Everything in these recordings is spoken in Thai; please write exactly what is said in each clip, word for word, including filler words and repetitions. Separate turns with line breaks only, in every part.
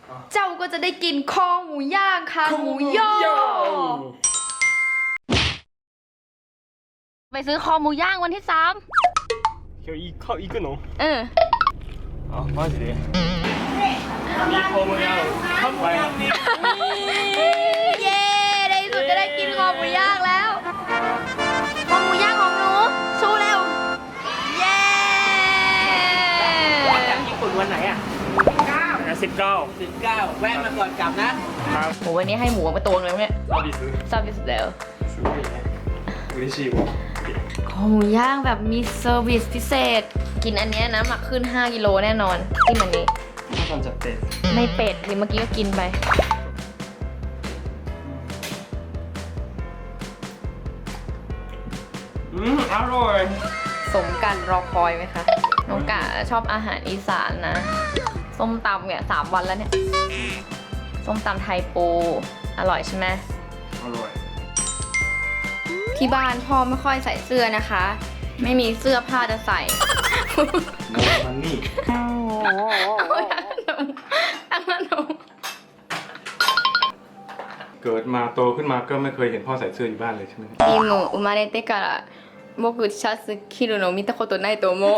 เจ้าก็จะได้กินคอหมูย่างค่ะหมูย่อไปซื้อคอหมูย่างวันที่สาม
今日行か行くの
เออ
あマジでมีคอหมูย่าง乾杯
เย้ในที่สุดจะได้กินคอหมูย่างแล้วคอหมูย่างของหนูชูเร็วเย้
จากญี่ปุ่นวันไหนอ่ะ
สิบเก้า
สิบเก้าแวะมาก่อนกลับนะครับ
โหวันนี้ให้หมูมาตัวนึงเนี่ย
サービス
ซาบิสแล้ว
すごいね嬉しいわ
คอหมูย่างแบบมีเซอร์วิสพิเศษกินอันเนี้ยน้ำหนักขึ้นห้ากิโลแน่นอนที่มันนี้
挟んじゃって
ไม่เป็ดที่เมื่อกี้ก็กินไป
อืมอร่อย
สมกันรอคอยไหมคะน้องกะชอบอาหารอีสานนะส้มตำเนี่ยสามวันแล้วเนี่ยส้มตำไทยปูอร่อยใช่ไหม
อร่อย
ที่บ้านพ่อไม่ค่อยใส่เสื้อนะคะ ไม่มีเสื้อผ้าจะใส่
โมมันนี่เกิดมาโตขึ้นมาก็ไม่เคยเห็นพ่อใส่เสื้ออยู่บ้านเลยใช่ไหม
今生まれてから僕シャツ着るの見たことないと思う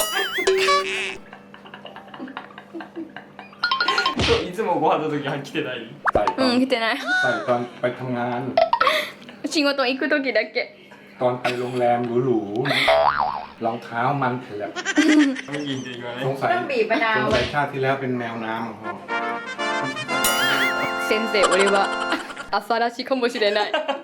いつもご飯の時は着てない
うん着てない
ใส่ตอนไปทำงาน
仕事行く時だけ
ตอนไปโรงแรมหรูๆรองเท้ามันเถื่อน
ไม่ยินดีกว่า
สงสัย
ต้องบีบมะนาว
สงสัยชาติที่แล้วเป็นแมวน้ำของพ่อ
先生俺は朝らしかもしれない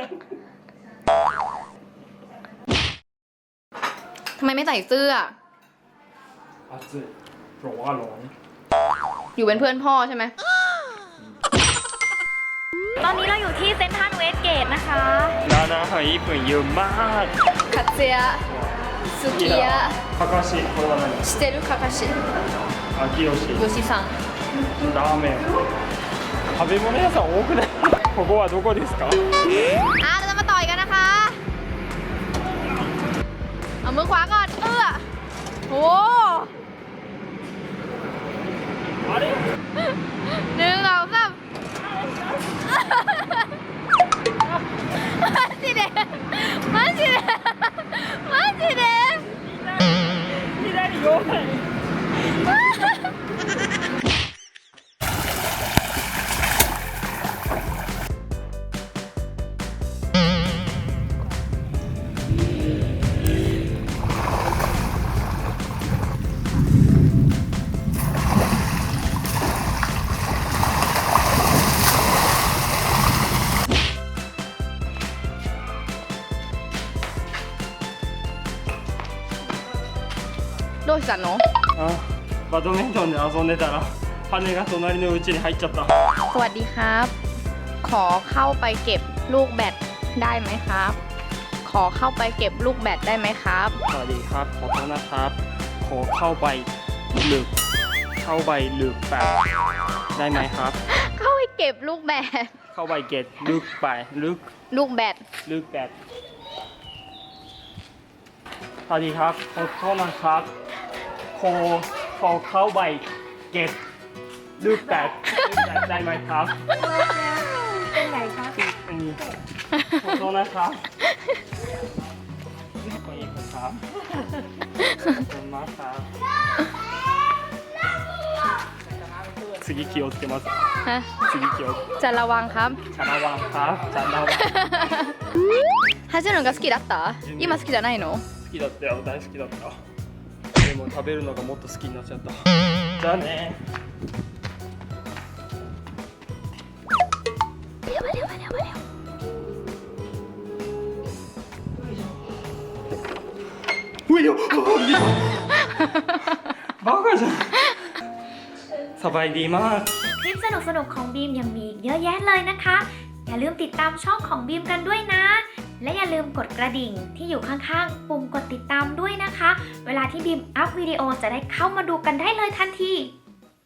ทำไมไม่ใส่เสื้อ
暑いร้อนร้อน
อยู่เป็นเพื่อนพ่อใช่ไหม
ตอนนี้เราอยู่ที่เซ็นทรัลเวสเกตนะคะ
ร้านอาหารญี่ปุ่นเยอะมาก
คัตเซียสุกิยะ
かかしこれは何
知ってるかかし
あきよし
よしさん
ラーメン食べ物屋さん多くないここはどこですか
อ่ะเราจะมาต่อยกันนะคะเอามือขวาก่อนเอื้อโอ้หนึ่งสองสามマジでマジでマジで
左弱い
どうしたの？
あバドミントンで遊んでたら羽が隣の家に入っちゃった
สวัสดีครับ ขอเข้าไปเก็บลูกแบดได้ไหมครับ ขอเข้าไปเก็บลูกแบดได้ไหมครับ
สวัสดีครับขอโทษนะครับขอเข้าไปลึกเข้าไปลึกแบบได้ไหมครับ
เข้าไปเก็บลูกแบด
เข้าไปเก็บลึกไปลึก
ลูกแบด
ลึกแบบสวัสดีครับขอโทษนะครับขอขอเข้าไปเก็บลึกแบบลึกแบบได้ไหมครับ
เป็นไรคะ
อันนี้ขอโทษนะครับขออีกครับขอบคุณมากครับ次気をつけます
ฮะ
次気を
จะระวังครับ
จะระวังครับจะระวัง
走るのが好きだった今好きじゃないの
好きだったよ大好きだったでも食べるのがもっと好きになっちゃったじゃあねういよバカじゃんสบายดีมาก
คลิปสนุกๆของบีมยังมีเยอะแยะเลยนะคะอย่าลืมติดตามช่องของบีมกันด้วยนะและอย่าลืมกดกระดิ่งที่อยู่ข้างๆปุ่มกดติดตามด้วยนะคะเวลาที่บีมอัพวิดีโอจะได้เข้ามาดูกันได้เลยทันที